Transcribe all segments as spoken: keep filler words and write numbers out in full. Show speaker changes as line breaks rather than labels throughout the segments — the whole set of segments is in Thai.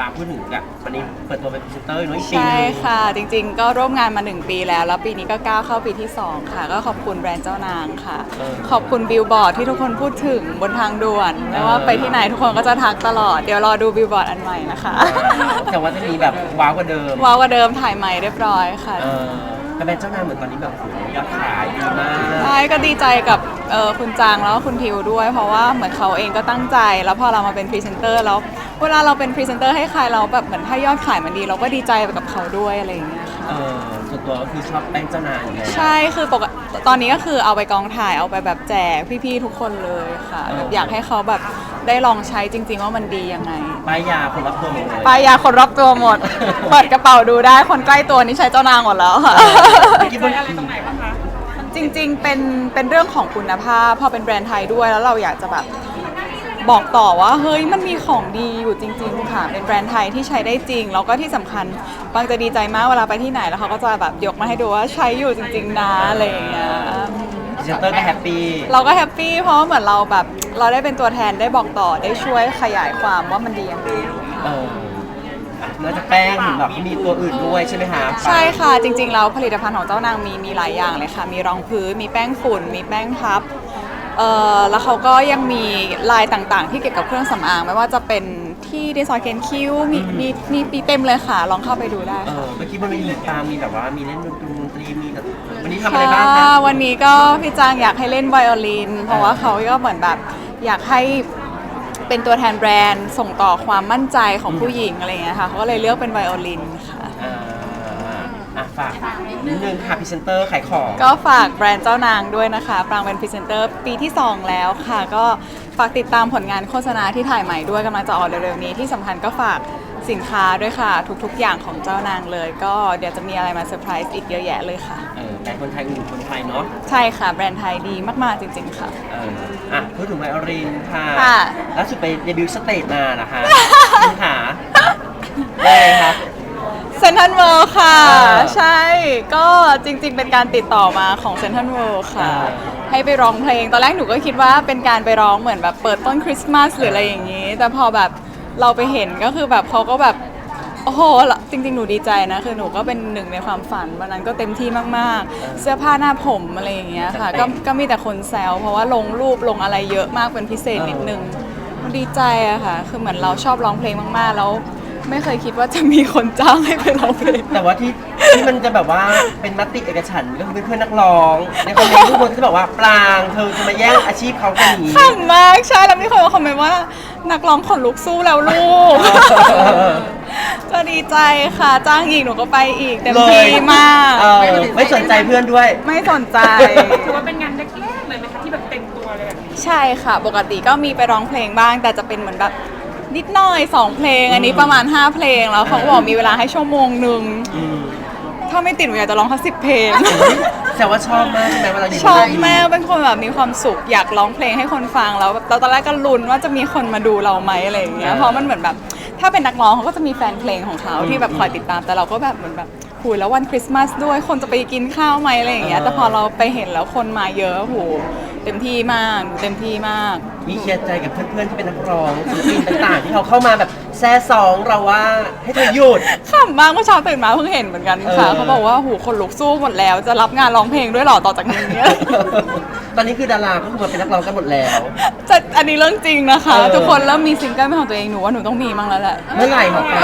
ปางพูดถึงแบบวันนี้เปิดตัวเป็นพรีเซนเตอร์น้อยปี
ใช่ค่ะจริงๆก็ร่วมงานมาหนึ่งปีแล้วแล้วปีนี้ก็ก้าวเข้าปีที่สองค่ะก็ขอบคุณแบรนด์เจ้านางค่ะขอบคุณบิลบอร์ดที่ทุกคนพูดถึงบนทางด่วนไม่ว่าไปที่ไหนทุกคนก็จะทักตลอดเดี๋ยวรอดูบิลบอร์ดอันใหม่นะคะ
แต่ว่าจะมีแบบว้าวกว่าเดิม
ว้าวกว่าเดิมถ่ายใหม่เรียบร้อยค่ะ
เออแต่เป็นเจ้านางเหมือนตอนนี้แบบโอ้โหยอดขายดีมาก
ใช่ก็ดีใจกับเอ่อคุณจางแล้วก็คุณทิวด้วย เพราะว่าเหมือนเขาเองก็ตั้งใจแล้วพอเรามาเป็นพรีเซนเตอร์แล้วเวลาเราเป็นพรีเซนเตอร์ให้ใครเราแบบเหมือนถ้ายอดขายมันดี เราก็ดีใจไปกับเขาด้วยอะไรอย่างเงี้ยค่ะ
เออส่วนตัวก็คือชอบแป้งเจ้านางอยู่แล้ว
ใช่คือปกติตอนนี้ก็คือเอาไปกองถ่ายเอาไปแบบแจกพี่ๆทุกคนเลยค่ะแบบอยากให้เขาแบบได้ลองใช้จริง ๆ ว่ามันดียังไง
ป้ายยาคนรับตัวหมดเลย
ป้ายยาคนรอบตัวหมด เปิดกระเป๋าดูได้คนใกล้ตัวนี่ใช้เจ้านางหมดแล้วค่ะ
เมื่อกี้บน
จริงๆ เป็นเป็นเรื่องของคุณภาพพอเป็นแบรนด์ไทยด้วยแล้วเราอยากจะแบบบอกต่อว่าเฮ้ยมันมีของดีอยู่จริงๆค่ะเป็นแบรนด์ไทยที่ใช้ได้จริงแล้วก็ที่สำคัญบางจะดีใจมากเวลาไปที่ไหนแล้วเขาก็จะแบบยกมาให้ดูว่าใช้อยู่จริงๆนะอะไรอย่างเงี้ย
พรีเซนเตอร์ก็แฮปปี้
เราก็แฮปปี้เพราะว่าเหมือนเราแบบเราได้เป็นตัวแทนได้บอกต่อได้ช่วยขยายความว่ามันดียังไง
เอออ่ะนอกจากแป้งเห็นแบบมีตัวอื่นด้วยใช่ไหมคะ
ใช่ค่ะจริงๆแล้วผลิตภัณฑ์ของเจ้านางมีมีหลายอย่างเลยค่ะมีรองพื้นมีแป้งฝุ่นมีแป้งพับเอ่อแล้วเขาก็ยังมีลายต่างๆ ที่เกี่ยวกับเครื่องสำอางไม่ว่าจะเป็นที่ดีไซน์เคนคิ้วมีมีมีปีเต็มเลยค่ะลองเข้าไปดูได้
เอ
ค่ะ
อเมื่อกี้บนเวทีปางมีแบบว่ามีเล่นดนตรีดนตรีมีแบบวันนี้ทำอะไรบ้างคะ
ค่ะวันนี้ก็พี่จางอยากให้เล่นไวโอลิน เพราะว่าเขาก็เหมือนแบบอยากให้เป็นตัวแทนแบรนด์ส่งต่อความมั่นใจของผู้หญิงอะไรอย่างเงี้ยค่ะเขาก็เลยเลือกเป็นไวโอลินค่ะ
อ่าอ่ะฝากนิดนึงค่ะพรีเซนเตอร์ขายของ
ก็ฝากแบรนด์เจ้านางด้วยนะคะปรางเป็นพรีเซนเตอร์ปีที่สองแล้วค่ะ ก็ฝากติดตามผลงานโฆษณาที่ถ่ายใหม่ด้วยกำลังจะออกเร็วๆนี้ที่สำคัญก็ฝากสินค้าด้วยค่ะ ทุกๆอย่างของเจ้านางเลย ก็เดี๋ยวจะมีอะไรมาเซอร์ไพรส์อีกเยอะแยะเลยค่ะ
เออแต่คนไทยอื่นคนไทยเนาะ
ใช่ค่ะแบรนด์ไทยดีมากๆจริงๆค่ะ
เอออ่ะพูดถึงไวโอลินค่ะ
ค่ะ
ล่าสุดไปเดบิวต์สเตจมานะคะ คุณขาได้ไงคะ
เซนทันเวิลด์ค่ะ
อ่า
ใช่ ก็จริงๆ เป็นการติดต่อมาของเซนทันเวิลด์ค่ะ
อ่า
ให้ไปร้องเพลง ตอนแรกหนูก็คิดว่าเป็นการไปร้องเหมือนแบบเปิดต้นคริสต์มาสหรืออะไรอย่างนี้ แต่พอแบบเราไปเห็นก็คือแบบเขาก็แบบ โอ้โห จริงๆ หนูดีใจนะ คือหนูก็เป็นหนึ่งในความฝันวันนั้นก็เต็มที่มากๆ เสื้อผ้าหน้าผมอะไรอย่างเงี้ยค่ะ ก็ก็มีแต่คนแซวเพราะว่าลงรูปลงอะไรเยอะมากเป็นพิเศษนิดนึง มันดีใจอะค่ะ คือเหมือนเราชอบร้องเพลงมากๆ แล้วไม่เคยคิดว่าจะมีคนจ้างให้ไปร้องเพลง
แต่ว่าที่ที่มันจะแบบว่าเป็นมติเอกฉันท์ก็คือเพื่อนๆนักร้อง ในคอมเมนต์ทุกคนจะบอกว่าปรางเธอจะมาแย่งอาชีพเขากันอย่างนี้
ขำมากใช่แล้วมีคนมาคอมเมนต์ว่านักร้องขนลุกสู้แล้วลูก ก็ดีใจค่ะ จ้างอีกหนูก็ไปอีกเต็มที่มาก
เออไม่สนใจเพื่อนด้วย
ไม่สนใจ
ถือว่าเป็นงานแรกๆเลยไหมคะที่แบบเต็มตัวเลยแบบนี้
ใช่ค่ะ ปกติก็มีไปร้องเพลงบ้าง แต่จะเป็นเหมือนแบบนิดหน่อยสองเพลง อันนี้ประมาณห้าเพลงแล้วเขาก็บอกมีเวลาให้ชั่วโมงหนึ่ง
อืม
ถ้าไม่ติดหนูอยากจะร้องทั้งสิบเพลง
แต่ว่าชอบมากใช่ไหมเวลาอยู่
ชอบ
นเวที
แม่เป็นคนแบบมีความสุขอยากร้องเพลงให้คนฟังแล้วแบบตอนแรกก็ลุ้นว่าจะมีคนมาดูเราไหมอะไรอย่างเงี้ยเพราะมันเหมือนแบบถ้าเป็นนักร้องเขาก็จะมีแฟนเพลงของเขาที่แบบคอยติดตามแต่เราก็แบบเหมือนแบบหูยแล้ววันคริสต์มาสด้วยคนจะไปกินข้าวไหมอะไรอย่างเงี้ยแต่พอเราไปเห็นแล้วคนมาเยอะโหเต็มที่มากเต็มที่มาก
มีเคลียร์ใจกับเพื่อนๆที่เป็นนักร้องศิลปินต่างๆ ที่เขาเข้ามาแบบแซ่ซองเราว่าให้เธอหยุด
ขำมากเมื่อเช้าตื่นมาเพิ่งเห็นเหมือนกันค่ะ
เออ
เขาบอกว่าหูคนลุกสู้หมดแล้วจะรับงานร้องเพลงด้วยเหรอต่อจากนี้
ตอนนี้คือดาราก็คือมาเป็นนักร้องกันหมดแล้ว
จะอันนี้เรื่องจริงนะคะ
เออ
ทุกคนเริ่มมีซิงเกิลเป็นของตัวเองหนูว่าหนูต้องมีบ้างแล้วแหละ
เมื่อไหร่ของปราง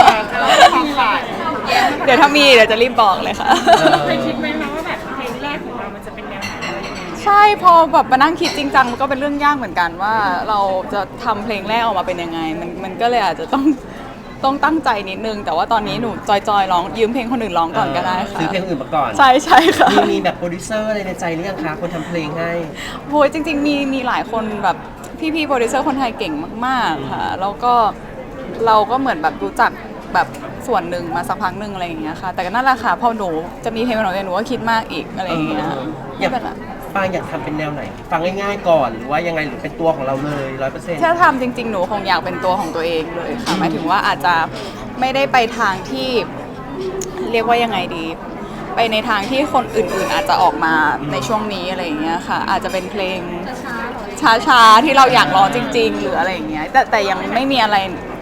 เดี๋ยวถ้ามีเดี๋ยวจะรีบบอกเลยค่ะ
เออ
เคยคิดไหมคะว่าแบบเพลงแรกของเรามันจะเป็นแนวไหนอะไรยังไง
ใช่พอแบบมานั่งคิดจริงจังมันก็เป็นเรื่องยากเหมือนกันว่าเราจะทำเพลงแรกออกมาเป็นยังไง มันมันก็เลยอาจจะต้องต้องตั้งใจนิดนึง แต่ว่าตอนนี้หนูจอยๆร้องยืมเพลงคนอื่นร้องก่อนก็ได้ค่ะ
ซื้อเพลงอื่นมาก่อน
ใช่ใช่ค่ะ
มีมีแบบโปรดิวเซอร์อะไรในใจหรือยังคะคนทำเพลงให้
โหยจริง ๆ มีมีหลายคนแบบพี่ๆโปรดิวเซอร์คนไทยเก่งมากๆค่ะแล้วก็เราก็เหมือนแบบรู้จักแบบส่วนหนึ่งมาสักพักหนึ่งอะไรอย่างเงี้ยค่ะ แต่ก็นั่นแหละค่ะพอหนูจะมีเพลงของตัวเองหนูก็คิดมากอีกอะไรอย่างเงี้ย
เอออ
ไม่
ยาก
เป็นไร
ปางอยากทำเป็นแนวไหน ฟังง่ายๆก่อนหรือว่ายังไงหรือเป็นตัวของเราเลยร้อยเปอร์เซ็นต์
ถ้าทำจริง ๆ หนูคงอยากเป็นตัวของตัวเองเลยค่ะหมายถึงว่าอาจจะไม่ได้ไปทางที่เรียกว่ายังไงดี ไปในทางที่คนอื่นๆ อาจจะออกมาในช่วงนี้อะไรอย่างเงี้ยค่ะ อาจจะเป็นเพลงช้าๆที่เราอยากร้องจริง ๆ หรืออะไรอย่างเงี้ยแต่แต่ยังไม่มีอะไร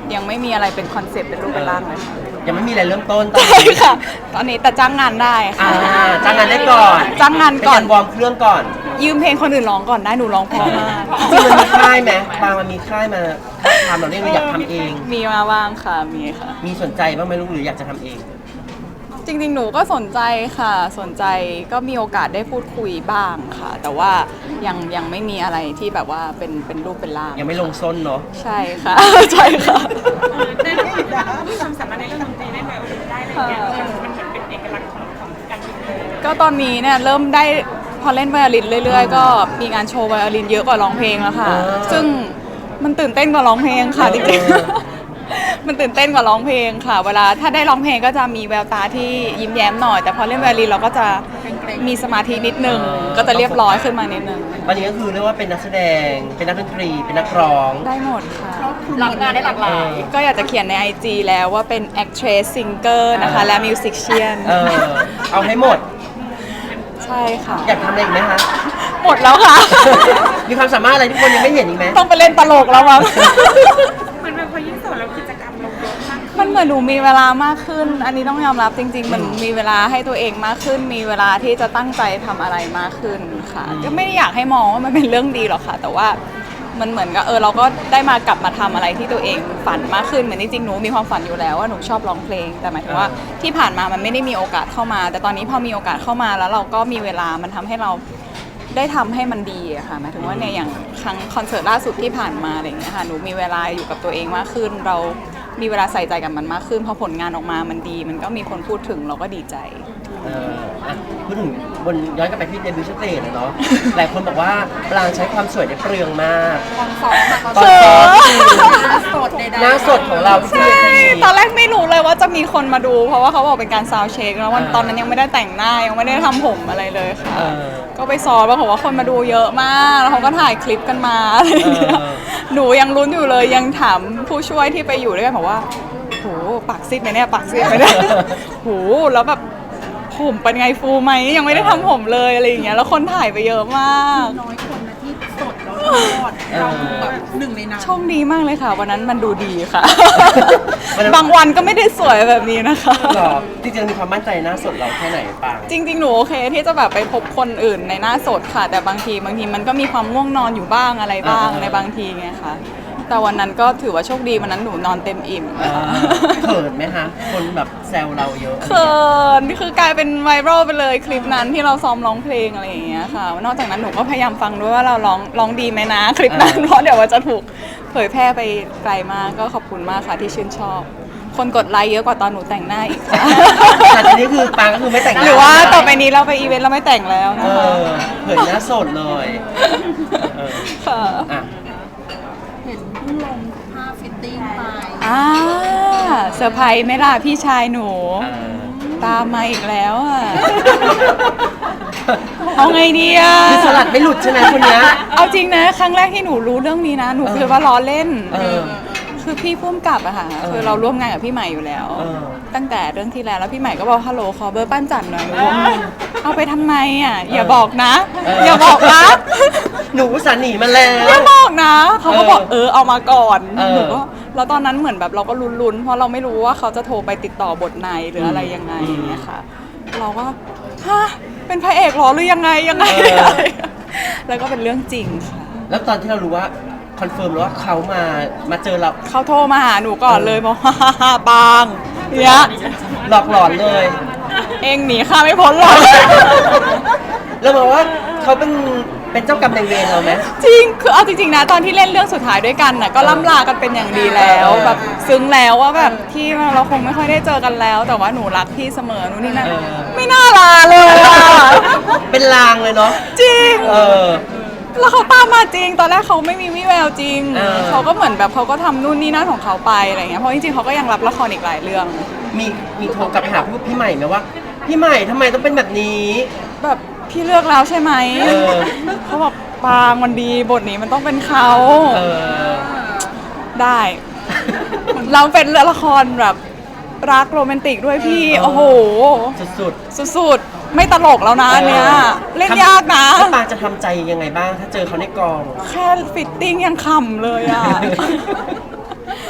ยังไม่มีอะไรเป็นคอนเซปต์เป็นรูปเป็นร่างเลยค่ะ
ยังไม่มีอะไรเริ่มต้นตอน
ใช่
นี้
ค่ะ ตอนนี้แต่จ้างงานได้
อ่า
ค่ะ
จ้างงานได้ก่อน
จ้างงานก่อน
เป็วอร์มเครื่องก่อน
ยืมเพลงคนอื่นร้องก่อนได้หนูร้องเพราะมาก
จริงๆมันมีค่ายไหมบางมันมีค่ายมาทำเราเนี่ยเราอยากทำเอง
มีมาบ้างค่ะมีค่ะ
มีสนใจบ้างไหมลูกหรืออยากจะทำเอง
จริงๆ หนูก็สนใจค่ะ สนใจก็มีโอกาสได้พูดคุยบ้างค่ะ แต่ว่ายังยังไม่มีอะไรที่แบบว่าเป็นเป็นรูปเป็นร่าง
ยังไม่ลงส้นเนาะ
ใช่ค่ะ ใช่ค่ะ
ได้ไหมมีความสามารถในเรื่องดนตรีได้ไหมได้อะไรเงี้ยมันมันเหมือนเป็นเอกลักษณ์ของของการเป็นเพลง
ก็ตอนนี้เนี่ยเริ่มได้พอเล่นไวโอลินเรื่อยๆ ก็มีงานโชว์ไวโอลินเยอะกว่าร้องเพลงแล้วค่ะ
อ่า
ซึ่งมันตื่นเต้นกว่าร้องเพลงค่ะจริง
เออ
ๆ มันตื่นเต้นกว่าร้องเพลงค่ะ เวลาถ้าได้ร้องเพลงก็จะมีแววตาที่ยิ้มแย้มหน่อย แต่พอเล่นไวโอลินเราก็จะมีสมาธินิดนึง ก็จะเรียบร้อยขึ้นมานิดนึง
วันนี้ก็คือเรียกว่าเป็นนักแสดง เป็นนักดนตรี เป็นนักร้อง
ได้หมดค่ะ
รับงานได้หลากหลาย
ก็อยากจะเขียนใน ไอ จี แล้วว่าเป็น actress singer นะคะ และ musician
เออ เอาให้หมด
ใช่ค่ะ
อยากทำอะไรอีกไหมคะ
หมดแล้วค่ะ
มีความสามารถอะไรที่คนยังไม่เห็นอีกไหม
ต้องไปเล่นตลกแล้วมั้ง
มันเป็นพอยิ่งโสดแล้วกิจกรรมลงเยอะมากขึ้น
มันเหมือนหนูมีเวลามากขึ้น อันนี้ต้องยอมรับจริงๆ มันมีเวลาให้ตัวเองมากขึ้น มีเวลาที่จะตั้งใจทำอะไรมากขึ้นค่ะ ก็ไม่ได้อยากให้มองว่ามันเป็นเรื่องดีหรอกค่ะ แต่ว่ามันเหมือนกับเออเราก็ได้มากลับมาทำอะไรที่ตัวเองฝันมากขึ้น เหมือนจริงๆ หนูมีความฝันอยู่แล้วว่าหนูชอบร้องเพลง แต่หมายถึงว่าที่ผ่านมามันไม่ได้มีโอกาสเข้ามา แต่ตอนนี้พอมีโอกาสเข้ามาแล้วเราก็มีเวลา มันทำให้เราได้ทำให้มันดีอะค่ะหมายถึงว่าเนี่ยอย่างครั้งคอนเสิร์ตล่าสุดที่ผ่านมาอะไรอย่างเงี้ยค่ะ หนูมีเวลาอยู่กับตัวเองมากขึ้น เรามีเวลาใส่ใจกับมันมากขึ้น พอผลงานออกมามันดี มันก็มีคนพูดถึงเราก็ดีใจ
เอออ่ะพูดถึงบนย้อนกลับไปที่เดบิวต์สเตจอะเนาะ หลายคนบอกว่าปรางใช้ความสวยได้เปลืองมาก ตอนซ้อมตอนซ้อมหน้าสดหน้าสดของเราที่
ใช่
เวที
ตอนแรกไม่รู้เลยว่าจะมีคนมาดู เพราะว่าเขาบอกเป็นการซาวด์เช็คแล้ววันตอนนั้นยังไม่ได้แต่งหน้ายังไม่ได้ทำผมอะไรเลยค่ะ
เออ
ก็ไปซ้อมแล้วบอกว่าคนมาดูเยอะมาก แล้วเขาก็ถ่ายคลิปกันมาอะไรอย่างเงี้ย
เออ
หนูยังลุ้นอยู่เลยยังถามผู้ช่วยที่ไปอยู่ด้วยกันบอกว่าโหปากซีดไหมเนี่ยปากซีดไหมเนี่ยโหแล้วแบบผมเป็นไงฟูไหมยังไม่ได้ทำผมเลยอะไรอย่างเงี้ยแล้วคนถ่ายไปเยอะมาก
น้อยคนนะที่สดแล้วทอด
เออ
เราคือแบบหนึ่งในนั้น
โชคดีมากเลยค่ะ วันนั้นมันดูดีค่ะ
วันนั้น
บางวันก็ไม่ได้สวยแบบนี้นะคะ
หรอจริงๆมีความมั่นใจหน้าสดเราแค่ไหนปราง
จริงๆ หนูโอเคที่จะแบบไปพบคนอื่นในหน้าสดค่ะ แต่บางทีบางทีมันก็มีความง่วงนอนอยู่บ้างอะไรบ้างในบางทีไงคะแต่วันนั้นก็ถือว่าโชคดีวันนั้นหนูนอนเต็มอิ่ม
เออเขินไหมคะ คนแบบแซวเราเยอะ
เขินคือกลายเป็นไวรัลไปเลยคลิปนั้นที่เราซ้อมร้องเพลงอะไรอย่างเงี้ยค่ะนอกจากนั้นหนูก็พยายามฟังด้วยว่าเราร้องร้องดีไหมนะคลิปนั้นเพราะเดี๋ยวว่าจะถูกเผยแพร่ไปไกลมากก็ขอบคุณมากค่ะที่ชื่นชอบ คนกดไลค์เยอะกว่าตอนหนูแต่งหน้าอีกค่ะ
แต่ทีนี้คือปรางก็คือไม่แต่งน้
หรือว่าต่อไปนี้เราไปอีเวนต์เราไม่แต่งแล้ว
เอ
นะคะ
อเผยหน้าสดเลยเออ
ค่ะ
อ่ะ
เห็นเพิ่งลงภาพฟิตติ้งไป
อ่าเซอร์ไพรส์ไหมล่ะพี่ชายหนู
เออ
ตามมาอีกแล้วอ่ะ เอาไงดีอ่ะ
คือสลัดไม่หลุดใช่ไหมคนเนี้ย
เอาจริงนะ ครั้งแรกที่หนูรู้เรื่องนี้นะ หนูคิดว่าล้อเล่น
เออ
คือพี่พุ่มกับอะค่ะ
เออ
คือเราร่วมงานกับพี่ใหม่อยู่แล้ว
เออ
ตั้งแต่เรื่องที่แล้วแล้วพี่ใหม่ก็บอกฮัลโหลขอเบอร์ปั้นจันหน่อยหนูบอกเอาไปทำไมอ่ะ อย่าบอกนะ
เออ
อ
อ
ย่าบอกนะ
หนูอุตสาห์หนีมาแล้ว
อย่าบอกนะ เขาก็บอกเออเอามาก่อน
เออ
หนูก็แล้วตอนนั้นเหมือนแบบเราก็ลุ้นๆ เพราะเราไม่รู้ว่าเขาจะโทรไปติดต่อบทในหรืออะไรยังไงอย่างเงี้ยค่ะ เราก็ฮะเป็นพระเอกเหรอหรือยังไงยังไงอะไรแล้วก็เป็นเรื่องจริงค่ะ
แล้วตอนที่เรารู้ว่าคอนเฟิร์มแล้วว่าเขามามาเจอเรา
เขาโทรมาหาหนูก่อนเลยบอกว่าฮ่าๆปังเนี้ย
หลอกหลอนเลย
เองหนีข้าไม่พ้นหรอก
แล้วบอกว่าเขาเป็นเป็นเจ้ากรรมนายเวรเราไหม
จริง คือเอาจริงๆนะ ตอนที่เล่นเรื่องสุดท้ายด้วยกันน่ะก็ล่ำลากันเป็นอย่างดีแล้ว
เออ
แบบซึ้งแล้วว่าแบบที่เราคงไม่ค่อยได้เจอกันแล้ว แต่ว่าหนูรักพี่เสมอหนูนี่นะ
เออ
ไม่น่าลาเลยอะ
เป็นลางเลยเนาะ
จริง
เออ
แล้วเขาตามมาจริง ตอนแรกเขาไม่มีวี่แววจริง
เออ
เขาก็เหมือนแบบเขาก็ทำนู่นนี่นั่นของเขาไปอะไรเงี้ย เพราะจริงๆเขาก็ยังรับละครอีกหลายเรื่อง
มีมีโทรกลับไปหาพี่พี่ใหม่ไหมว่า พี่ใหม่ทำไมต้องเป็นแบบนี้
แบบพี่เลือกแล้วใช่ไหม
เออ
เขาบอกปางมันดีบทนี้มันต้องเป็นเขา
เออ
ได้ เราเป็นเรื่องละครแบบรักโรแมนติกด้วยพี่
เออ
โอ้โห
สุด
สุดๆ ไม่ตลกแล้วนะ
ๆ
อันเนี้ย เล่น
ทำ
ยากนะ
แล้วปางจะทำใจยังไงบ้าง ถ้าเจอเขาในกอง
แค่ฟิตติ้งยังขำเลยอ่ะ ข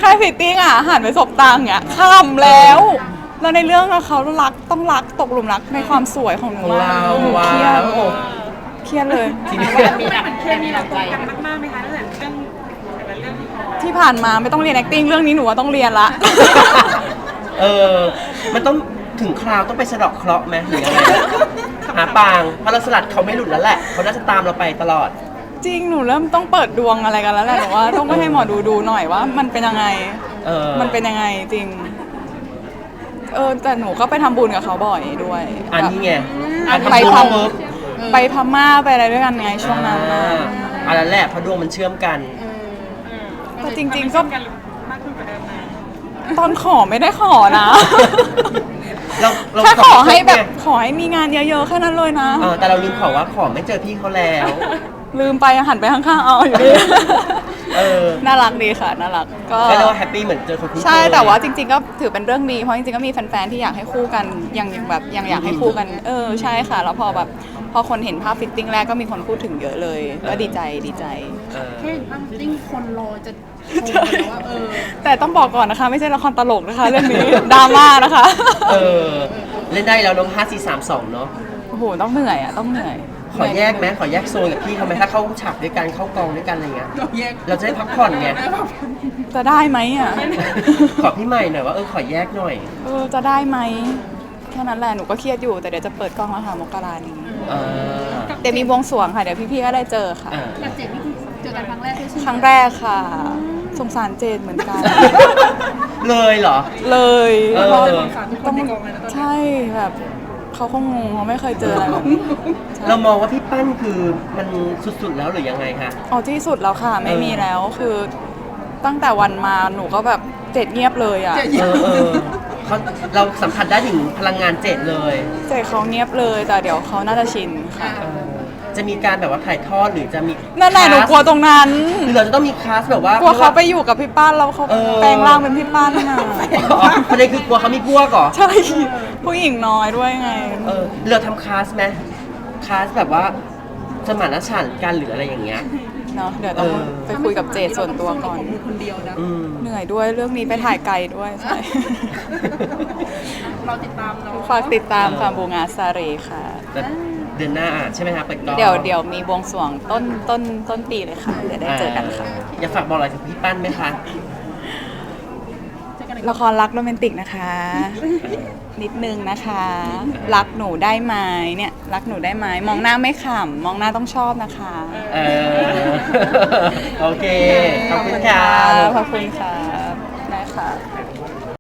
ค่ายฟิตติ้งอ่ะหันไปสบตางเนี่ยข้ามแล้วแล้วในเรื่องอะเขารักต้องรักตกหลุมรักในความสวยของหนู
ของ
มาก
เรา
หนู
ว้า
เครียด
ว
เครียดเลย
ทีนี้
มีแบบมันเคมีเราตรงกันมากๆไหมคะตั้งแต่เรื่องแต่ละเรื่องที่พอ
ที่ผ่านมาไม่ต้องเรียน acting เรื่องนี้หนูว่าต้องเรียนละ
เออ มันต้องถึงคราวต้องไปสะเดอกเคราะห์ไหมหรือยังไงหาปางเพราะเราสลัดเขาไม่หลุดแล้วแหละเขาน่าจะตามเราไปตลอด
จริงหนูเริ่มต้องเปิดดวงอะไรกันแล้วแหละหนูว่าต้องไปให้หมอดูดูหน่อยว่า มันเป็นยังไง
เออ
มันเป็นยังไงจริง เออแต่หนูก็ไปทำบุญกับเขาบ่อยด้วย
อันนี้ไง
แบบ
อัน
ไป
ทำบุญ
ท
ปุ๊บ
ำไปพม่าไปอะไรด้วยกันไงช่วงนั้นน่ะ
อ่าอันนั้นแหละเพราะดวงมันเชื่อมกัน
แต่จริง ๆ ก็
กันมากขึ้นกว่าเดิมไหม
ตอนขอไม่ได้ขอนะ
เราเรา
แค่ขอให้แบบ
ไง
ขอให้มีงานเยอะๆแค่นั้นเลยนะ
เออแต่เราลืมขอว่าขอไม่เจอพี่เขาแล้ว
ลืมไปหันไปข้างๆเอาอยู่ดี
เออ
น่ารักดีค่ะน่ารักก็
ก็เรียกว่าแฮปปี้เหมือนเจอคนคุ้นเคย
ใช่แต่ว่าจริง ๆ ก็ถือเป็นเรื่องดีเพราะจริงๆก็มีแฟนๆที่อยากให้คู่กันยังยังแบบยังอยากให้คู่กัน เออใช่ค่ะ แล้วพอแบบพอคนเห็นภาพฟิตติ้งแรกก็มีคนพูดถึงเยอะเลย ก็ดีใจดีใจ
เออ
แค่เห็นภาพฟิตติ้งคนรอจะชมกันแล้วว่าเออ
แต่ต้องบอกก่อนนะคะ ไม่ใช่ละครตลกนะคะ เรื่องนี้ ดราม่านะคะ
เออ เล่นได้แล้วน้องห้าสี่สามสองเนาะ
โอ้โหต้องเหนื่อยอ่ะต้องเหนื่อย
ขอแยกไหมขอแยกโซนกับพี่เขาไหมถ้าเข้าฉากด้วยกันเข้ากองด้วยกันอะไรเงี้ย
เราแยก
เราจะได้พักผ่อนไง
จะได้ไหมอ่ะ
ขอพี่ใหม่หน่อยว่าเออขอแยกหน่อย
เออจะได้ไหมแค่นั้นแหละหนูก็เครียดอยู่แต่เดี๋ยวจะเปิดกล้องแล้วค่ะมกรานี้
เออ
เดี๋ยวมีบวงสรวงค่ะเดี๋ยวพี่ๆก็ได้เจอค่ะ
อ่า
กับเจ็ดนี่คือเจอกันครั้งแรกด้วยใช่ไหม
ครั้งแรกค่ะ สงสารเจนเหมือนกัน
เลยเหรอ
เลย
เออ
เพราะ
สารทุกคนในกองเลยนะตอนนี้
ใช่แบบเขาคงงงเขาไม่เคยเจออะไรแบบนี้ใช่
เรามองว่าพี่ปั้นคือมันสุดๆแล้วหรือยังไงคะ
อ๋อที่สุดแล้วค่ะ ไม่มีแล้วคือตั้งแต่วันมาหนูก็แบบเจ็ดเงียบเลยอ่ะ
เจ็ด
เออเออเขาเราสัมผัสได้ถึงพลังงานเจ็ดเลย
เจ็ดเขาเงียบเลยแต่เดี๋ยวเขาน่าจะชินค่ะ
เออจะมีการแบบว่าถ่ายทอดหรือจะมี
นั่นแหละหนูกลัวตรงนั้น
หรือเราจะต้องมีคลาสแบบว่าก
ลัวเขาไปอยู่กับพี่ป้านแล้วเขา
เออ
แปลงร่างเป็นพี่ป้านน่ะ
อ๋อประเด็นคือกลัวเขามีพวกเหรอ
ใช่ผู้หญิงน้อยด้วยไง
เออเราทำคลาสไหมคลาสแบบว่าสมานฉันท์กันหรืออะไรอย่างเงี้ย
เนาะเดี๋ยวต้อง
เออ
ไปคุยกับเจดส่วนตัวก่อน
มือคนเดียวนะ
อืม
เหนื่อยด้วยเรื่องนี้ไปถ่ายไกลด้วยใช่
เราติดตามเนาะ
ฝากติดตามค่ะบูงาซาเรค่ะ
แต่เดือนหน้าอ่ะใช่ไหมคะเปิดกล้อง
เดี๋ยวเดี๋ยวมีบวงสรวงต้นต้นต้นปีเลยค่ะ เดี๋ยวได้เจอกันค่ะ
อยากฝากบอกอะไรถึงพี่ปั้นไหมคะ
เจอกันใน
ละครรักโรแมนติกนะคะ นิดนึงนะคะ รักหนูได้ไหมเนี่ย รักหนูได้ไหมมองหน้าไม่ขำมองหน้าต้องชอบนะคะ
เออ โอเค ขอบคุณค่ะ
ขอบคุณค่ะได้ค่ะ